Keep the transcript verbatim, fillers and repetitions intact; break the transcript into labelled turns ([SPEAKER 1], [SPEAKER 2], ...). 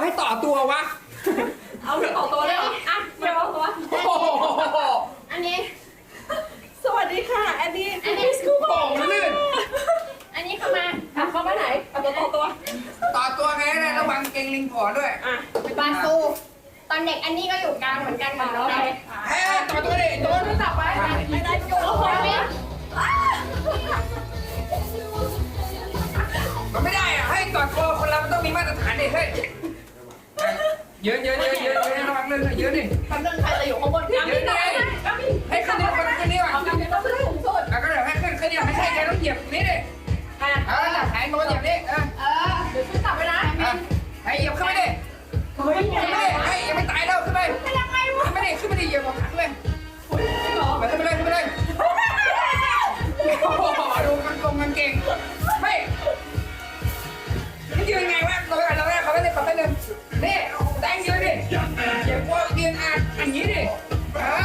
[SPEAKER 1] ให้ต่อตัววะ
[SPEAKER 2] เอาต่อตัวเลยเหรออ่ะเดี๋ยวเอาตัว
[SPEAKER 3] อันนี้
[SPEAKER 2] สวัสดีค่ะอันนี้
[SPEAKER 3] อันนี้
[SPEAKER 2] สกู๊ป
[SPEAKER 1] โป่งลื่น
[SPEAKER 3] อันนี้เข้ามา
[SPEAKER 2] อ่ะเข้ามาไหนเอาตัวต่อตัว
[SPEAKER 1] ต่อตัวไงนะระวังเกงลิงผอด้วย
[SPEAKER 2] อ่ะ
[SPEAKER 3] บาซูตอนเด็กอันนี้ก็อยู่กลางเหมือนกันเหมือนน้องเลย
[SPEAKER 1] เฮ้ยต่อตัวดิโดน
[SPEAKER 2] จับไว้ไม่ได้โยนลงไป
[SPEAKER 1] มันไม่ได้อะให้ต่อตัวคนเรามันต้องมีมาตรฐานดิเฮ้ยเยอะเยอะเยอะเยอะเยอะระวังลื่นเยอะดิ
[SPEAKER 2] ทำเรื่องใครจะอยู่ข้างบนกันไม่ได้ก็มี
[SPEAKER 1] ให้ขึ้นนี่คนขึ้นนี่ก่อน
[SPEAKER 2] เอากันต้องขึ้นสูงสุด
[SPEAKER 1] แล้วก็เดี๋ยวให้ขึ้นขึ้นนี่ไม่ใช่แกต้องเหยียบนี่ดิ
[SPEAKER 2] อ่ะ
[SPEAKER 1] เออหายโดนเหยียบนี่เออ
[SPEAKER 3] เออ
[SPEAKER 2] เดี๋ยวขึ้นจับไปนะ
[SPEAKER 1] ให้เหยียบขึ้นไปดิ
[SPEAKER 2] เฮ้ย
[SPEAKER 1] ขึ้นไปดิให้ยังไม่ตายแล้วขึ้นไปขึ้นไปดิขึ้นไปดิเหยียบของขังเลยขึ้นไปเลยขึ้นไปเลยโอ้โหดูมันกงมันเก่งไม่มันยืนไงวะเราเราเราเขาไม่ได้เขาไม่เดินนี่แดงยืนดิเหยียบว่ายืนอ่ะอย่างนี้ดิเออ